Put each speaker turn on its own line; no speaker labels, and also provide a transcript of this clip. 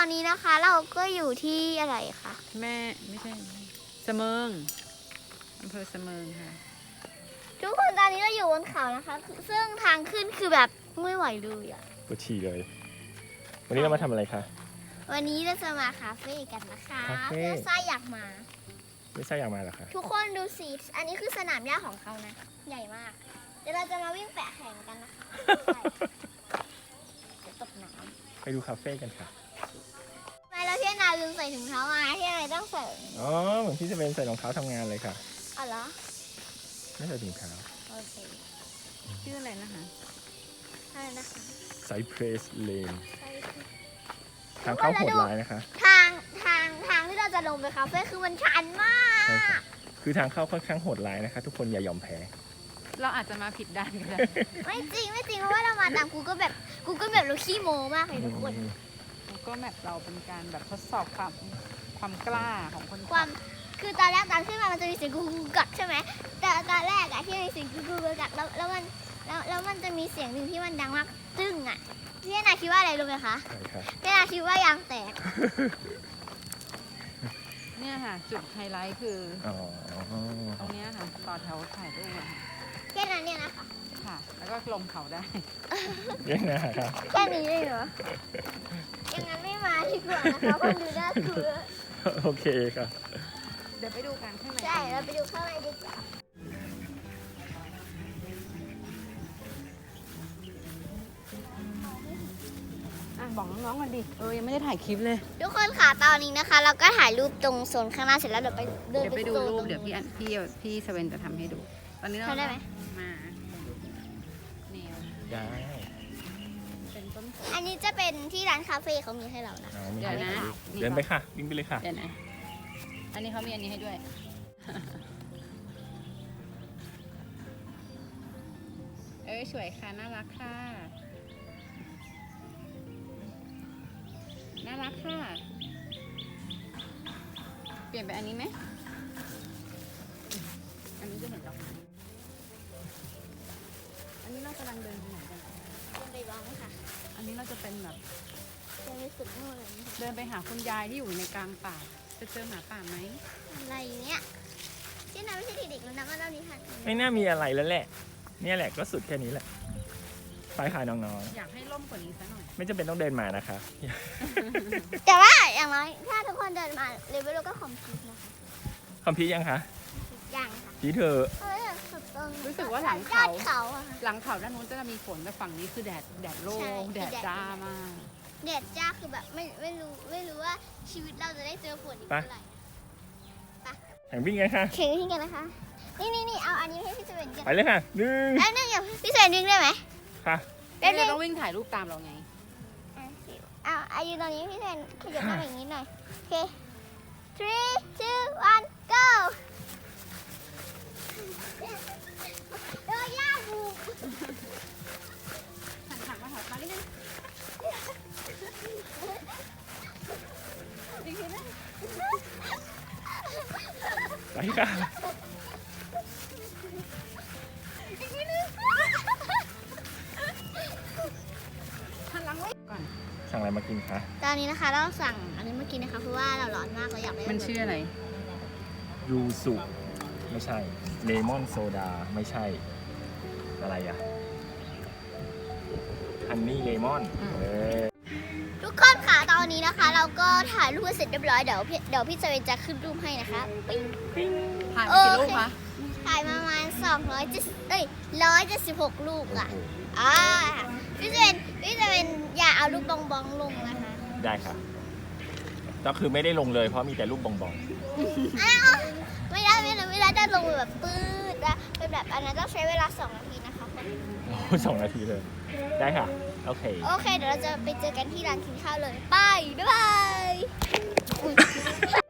อนนี้นะคะเราก็อยู่ที่อะไรคะ
แม่ไม่ใช่เสมิงอำเภอเสมิงค่ะ
ทุกคนตอนนี้เราอยู่บนเขานะคะ ซึ่งทางขึ้นคือแบบไม่ไหวเลยอะ
ปวดฉี่เลย วันนี้เรามาทำอะไรคะ
วันนี้เราจะมาคาเฟ่กันนะคะ
คาเฟ่
เพื่อซ่าอยากมา
ไม่ใช่อยากมาเหรอคะ
ทุกคนดูสิอันนี้คือสนามหญ้าของเขานะ ใหญ่มาก เดี๋ยวเราจะมาวิ่งแปะแข่งกันนะคะใช่เดี๋ยวตกน้ำ
ไปดูคาเฟ่กันค่ะ
ทำไมเราที่นาลืมใส่ถุงเท้ามาที่อะไรต้องใส่
อ๋อ เหมือนที่จะเป็นใส่รองเท้าทำงานเลยค่ะ
อ๋อเหรอ
ไม่ใส่ถุงเท้า
โอเค
ชื่ออะไรนะคะ
อะไรนะคะ
ไซเพรสเลน
ใช่
ทางเข้าโหดร้ายนะคะ
ทางที่เราจะลงไปคาเฟ่คือมันชันมา
ใช่ค่ะ
ก
คือทางเข้าค่อนข้างโหดร้ายนะคะ ทุกคนอย่ายอมแพ้
เราอาจจะมาผิดด้านก็ได้
ไม่จริงเพราะว่าเรามาตามกูก็แบบเราขี้โมมากเลยทุกคน
ก็แบบเราเป็นการแบบทดสอบความกล้าของคน
ความคือตอนแรกตอนขึ้นมามันจะมีเสียงกูกักใช่ไหมแต่ตอนแรกอะที่มีเสียงกูกักแล้วมันจะมีเสียงหนึ่งที่มันดังมากตึ้งอะพี่นาคิดว่าอะไรรู้ไหมคะ
ใช่ค่ะ
พี่นาคิดว่ายางแตก
เนี่ยค่ะ จุดไฮไลท์คือ
อ๋อ
ตรงเนี้ยค่ะต่อแถวถ่ายรูปอะค่ะ
แค่นั้นเนี่ยนะคะ
ค่ะ แล้วก็ลงเขาได้
เรื่องนะค่ะ
แค่นี้เลยเหรอยังงั้นไม่มาดีกว่านะคะคนดูน่ากลัว
โอเคค่ะ
เดี๋ยวไปดูกันข้างใน
ใช่เราไปดูข้างในดีกว่า
อ่ะบอกน้องๆกันดิยังไม่ได้ถ่ายคลิปเลย
ทุกคนค่ะตอนนี้นะคะ เราก็ถ่ายรูปตรงโซนข้างหน้าเสร็จแล้วเดี๋ยวไปเดิน
เดี๋ยวไปดู
โซน
รู
ต
ป
ง
เดี๋ยวพี่สเวนจะทำให้ดู ตอนนี้เรา
ทำได้ไหม
มาแนว
ได้
เป็นต้นโพ
อันนี้จะเป็นที่ร้านคาเฟ่เขามีให้เรานะ
เอามี
เดี๋ยวนะ
เดินไปค่ะ วิ่งไปเลยค่ะ
เดี๋ยวนะ อันนี้เขามีอันนี้ให้ด้วย สวยค่ะ น่ารักค่ะ น่ารักค่ะ เปลี่ยนไปอันนี้ไหม อันนี้จะเห็นดอกไม้อันนี้เรากำลังเดินไปไหนกัน
เดินไปบ้างค่ะ
อันนี้เราจะเป็นแบบ
เดินไปสุดนู่นเลยนะคะ
เดินไปหาคุณยายที่อยู่ในกลางป่า จะเจอหมาป่าไหม
อะไรเนี่ยที่นั่นไม่ใช่เด็กๆแล้วนะว่าเรานี้ค่ะ
ไม่น่ามีอะไรแล้วแหละ เนี่ยแหละก็สุดแค่นี้แหละ ไปค่ะน้อง
อยากให้ร่มกว่านี้ซะหน่อย
ๆ ไม่จำเป็นต้องเดินมานะคะ
แต่ว่าอย่างน้อยถ้าทุกคนเดินมาเลเวลก็คอมพิวนะคะ
คอมพิวยังคะ
อย่างค่ะ
พีเธอ
เฮ้ยสุดตรง
รู้สึกว่าหลัง
ยอ
เขา
ดเขาอะค่ะ
หลังเขาด้านนู้นจะมีฝนแต่ฝั่งนี้คือแดดโล่
ใช่
งแดด
แดด
จ้ามาก
เด็ดจ้าคือแบบไม่รู้ว่าชีวิตเราจะได้เจอฝนอีกเมื่อไหร่
แข่งวิ่งกันค่ะ
เข่งที่กันนะคะ นี่เอาอันนี้ให้พี่เซเว่นกัน
ไปเลยค่ะหนึ่ง
แล้วนี่เดี๋ยวพี่เซเว่นดึงได้ไหม
ค่ะ
แล้วดึ
เรา
ง
ต้องวิ่งถ่ายรูปตามเราไง
เอาอายุตอนนี้พี่เซเว่นขยับมาอย่างนี้หน่อยโอเค three two one go โดนย่าบุก
หันมาถอยมานิดนึง
ไปค่ะ
หันหลังไว้ก่อน
สั่งอะไรมากินคะ
ตอนนี้นะคะเราสั่งอันนี้มากินนะคะเพราะว่าเราร้อนมากเราอยากได้
มันชื่ออะไร
ยูสุไม่ใช่ เลมอนโซดา ไม่ใช่ อะไรอะฮันนี่เลมอน
ทุกคนค่ะตอนนี้นะคะ เราก็ถ่ายรูปเสร็จเรียบร้อยเดี๋ยวพี่เซเว่นจะขึ้นรูปให้นะคะปิ๊ง
ถ่ายมากี่รูปคะ
ถ่ายมาประมาณ176ลูกอ่ะพี่เซเว่นอย่าเอาลูกบองลงนะคะ
ได้ค่ะ ก็คือไม่ได้ลงเลยเพราะมีแต่รูปบอง
อ้าวไม่ได้จะลงแบบปื๊ดนะเป็นแบบอันนั้นต้องใช้เวลา2 นาทีนะคะคน
ๆโอ้2 นาทีเลย ได้ค่ะ โอเค
โอเคเดี๋ยวเราจะไปเจอกันที่ร้านกินข้าวเลยไปบ๊ายบาย